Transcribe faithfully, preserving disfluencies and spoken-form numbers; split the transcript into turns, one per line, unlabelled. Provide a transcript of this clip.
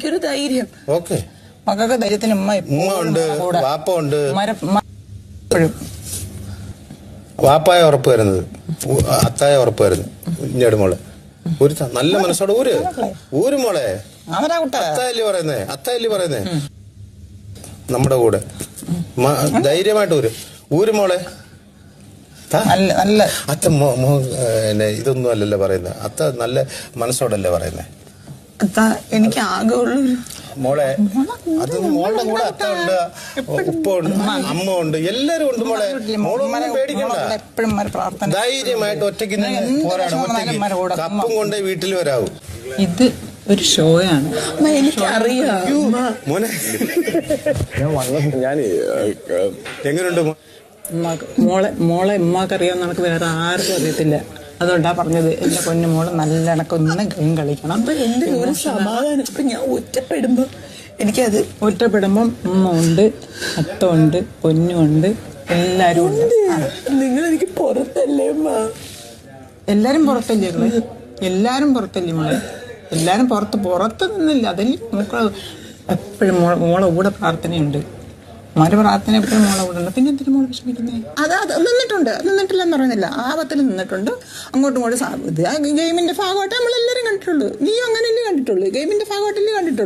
ഒരു ധൈര്യം.
ഓക്കെ,
മക്കൾക്ക് ധൈര്യത്തിന് ഉമ്മ
ഉമ്മ ഉണ്ട്, വാപ്പ ഉണ്ട്.
എപ്പോഴും
വാപ്പായ ഉറപ്പ് വരുന്നത്, അത്തായ ഉറപ്പ് വരുന്നത് കുഞ്ഞാട് മോളെ. ഒരു നല്ല മനസ്സോടെ ഊര് ഊര് മോളെ. അത്തായല്ലേ പറയുന്നേ, അത്തായല്ലേ പറയുന്നേ. നമ്മുടെ കൂടെ ധൈര്യമായിട്ട് ഊര് ഊര് മോളെ. അത്ത ഇതൊന്നും അല്ലല്ലോ പറയുന്നത്, അത്ത നല്ല മനസ്സോടല്ലേ പറയുന്നേ.
എനിക്ക് ആകെ ഉള്ളൊരു
മോളെ, അത് മോളുടെ കൂടെ അത്ത ഉണ്ട്, ഉപ്പ ഉണ്ട്, അമ്മ ഉണ്ട്, എല്ലാരും ഉണ്ട് മോളെ. മോളൊന്നും പേടിക്കണ്ട, ധൈര്യമായിട്ട് ഒറ്റയ്ക്ക് പോരാടും. ഒറ്റയ്ക്ക് കപ്പും കൊണ്ട് വീട്ടിൽ വരാവൂ.
ഇത് ഒരു ഷോയാണ്, എനിക്കറിയാം
മോനെ. ഞാൻ എങ്ങനെയുണ്ട്
മോളെ? മോളെ ഉമ്മാക്കറിയാവുന്ന നമുക്ക് വേറെ ആർക്കും അറിയത്തില്ല. അതുകൊണ്ടാ പറഞ്ഞത്, എന്റെ പൊന്നു മോള് നല്ല കണക്കൊന്ന് ഗെയിം കളിക്കണം. എന്റെ ഒരു സമാധാനം. ഇപ്പൊ ഞാൻ ഒറ്റപ്പെടുമ്പോ എനിക്കത് ഒറ്റപ്പെടുമ്പം ഉമ്മ ഉണ്ട്, അത്തമുണ്ട്, പൊന്നുണ്ട്, എല്ലാരും ഉണ്ട്. നിങ്ങൾ എനിക്ക് പുറത്തല്ലേ ഉമ്മ? എല്ലാരും പുറത്തല്ലേ നിങ്ങള്? എല്ലാരും പുറത്തല്ലേ മോളെ? എല്ലാരും പുറത്ത് പുറത്ത് നിന്നില്ല. അതിൽ നമുക്ക് എപ്പോഴും മോളെ മോളെ കൂടെ പ്രാർത്ഥനയുണ്ട്. മോന്റെ പ്രാർത്ഥന എപ്പോഴും മോളെ കൂടെ ഉണ്ട്. പിന്നെ എന്തിനു മോളെ വിഷമിക്കുന്നത്? അത് അത് നിന്നിട്ടുണ്ട്, നിന്നിട്ടില്ലെന്ന് പറയുന്നില്ല. ആപത്തിൽ നിന്നിട്ടുണ്ട്. അങ്ങോട്ടും ഇങ്ങോട്ടും ഇത് ഗെയിമിന്റെ ഭാഗമായിട്ട് നമ്മളെല്ലാരും കണ്ടിട്ടുള്ളൂ. നീ അങ്ങനെയല്ലേ കണ്ടിട്ടുള്ളൂ? ഗെയിമിന്റെ ഭാഗമായിട്ടല്ലേ കണ്ടിട്ടുള്ളൂ.